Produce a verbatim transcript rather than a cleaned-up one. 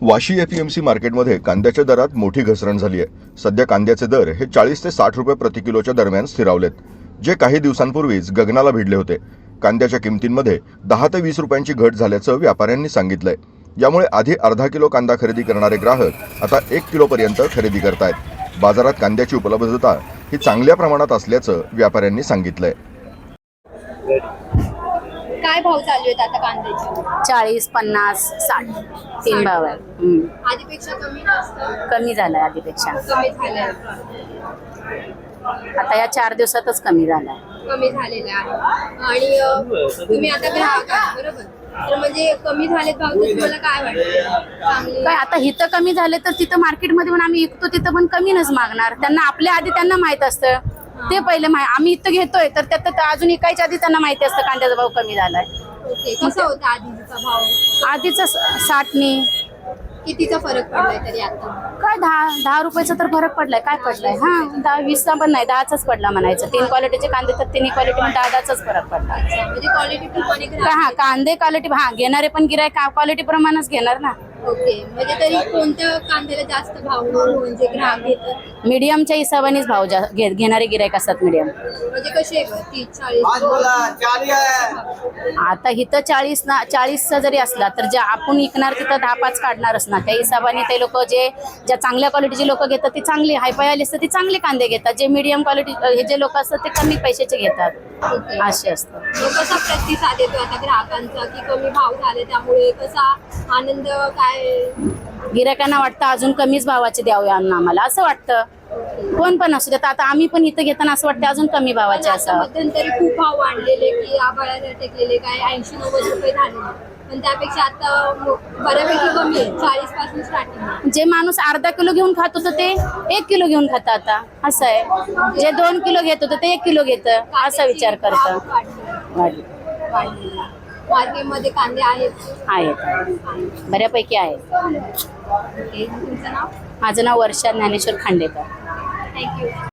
Vashi APMC मार्केटमध्ये कांद्याच्या दरात मोठी घसरण झाली आहे। सध्या कांद्याचे दर हे चाळीस ते साठ रुपये प्रति किलोच्या दरम्यान स्थिरावलेत, जे काही दिवसांपूर्वीच गगनाला भिडले होते। कांद्याच्या किमतींमध्ये दहा ते वीस रुपयांची घट झाल्याचं व्यापाऱ्यांनी सांगितलंय। यामुळे आधी अर्धा किलो कांदा खरेदी करणारे ग्राहक आता एक किलो पर्यंत खरेदी करतायत। बाजारात कांद्याची उपलब्धता ही चांगल्या प्रमाणात असल्याचं व्यापाऱ्यांनी सांगितलंय। काय भाव चालू आहेत आता कांद्याचे? चाळीस, पन्नास, साठ तीन भाव आहे। हम्म. आधीपेक्षा कमी जास्त कमी झालाय आधीपेक्षा, कमी झालंय, आता या चार दिवसातच कमी झालाय। कमी झालेलं आहे। आणि अ, तुम्ही आता ग्राहक आहात बरोबर, तर म्हणजे कमी झालेत भाव तर तुम्हाला काय वाटतं? चांगली काय आता इथं कमी झाले तर तिथं मार्केटमध्ये पण आम्ही विकतो तिथं पण कमीनच मागणार। त्यांना आपल्या आधी त्यांना माहित असतं, ते पहिले माहिती आम्ही इथं घेतोय तर त्यात तर अजून इकायच्या आधी त्यांना माहिती असतं कांद्याचा भाव कमी झालाय। ओके, कसा होता आधीचा भाव? आधीच साठनी कितीचा फरक पडलाय तरी आता? काय दहा दहा रुपयाचा तर फरक पडलाय। काय पडलाय? हा दहा वीसचा पण नाही, दहाचाच पडला म्हणायचं। तीन क्वालिटीचे कांदे तर तिन्ही क्वालिटी दहा दहाचाच फरक पडला। म्हणजे क्वालिटी पण का हा कांदे क्वालिटी हा घेणारे पण गिरायक क्वालिटी प्रमाणच घेणार ना। ओके, म्हणजे तरी कोणत्या कांद्याला जास्त भाव म्हणजे ग्राहक घेतात? मीडियमच्या हिशोबानेच भाव जा- घे- घेणारे गिरायक असतात मीडियम। म्हणजे कसे आहे बरं? तीस चाळीस? आता इथं चाळीस ना चाळीसचा जरी असला तर जे आपण विकणार तिथं दहा पाच काढणारच ना। त्या हिशोबाने ते लोक जे ज्या चांगल्या क्वालिटीचे लोक घेतात ते चांगले हायफाय आले असतात ते चांगले कांदे घेतात। जे मीडियम क्वालिटी हे जे लोक असतात ते कमी पैशाचे घेतात, ओके. असे असतं। मग कसा प्रतिसाद येतो आता ग्राहकांचा की कमी भाव झाले त्यामुळे कसा आनंद काय? गिरायकांना वाटतं अजून कमीच भावाचे द्यावे आम्हाला, असं वाटतं। कोण पण असू देत, आता आम्ही पण इथं घेताना असं वाटतं अजून कमी भावाचे आता असावं। मध्यंतरी खूप भाव वाढलेले की आभाळाला टेकलेले काय ऐंशी नव्वद रुपये झाले, पण त्यापेक्षा आता बऱ्यापैकी कमी आहे, चाळीस पासून स्टार्टिंग। जे माणूस अर्धा किलो घेऊन खात होतं ते एक किलो घेऊन खातं आता, असं आहे। जे दोन किलो घेत होतं ते एक किलो घेतं, असा विचार करतं। वाढले मार्केटमध्ये कांदे आहेत आहेत, बऱ्यापैकी आहेत। ओके, तुमचं नाव? माझं नाव वर्षा ज्ञानेश्वर खांडेकर। थँक्यू।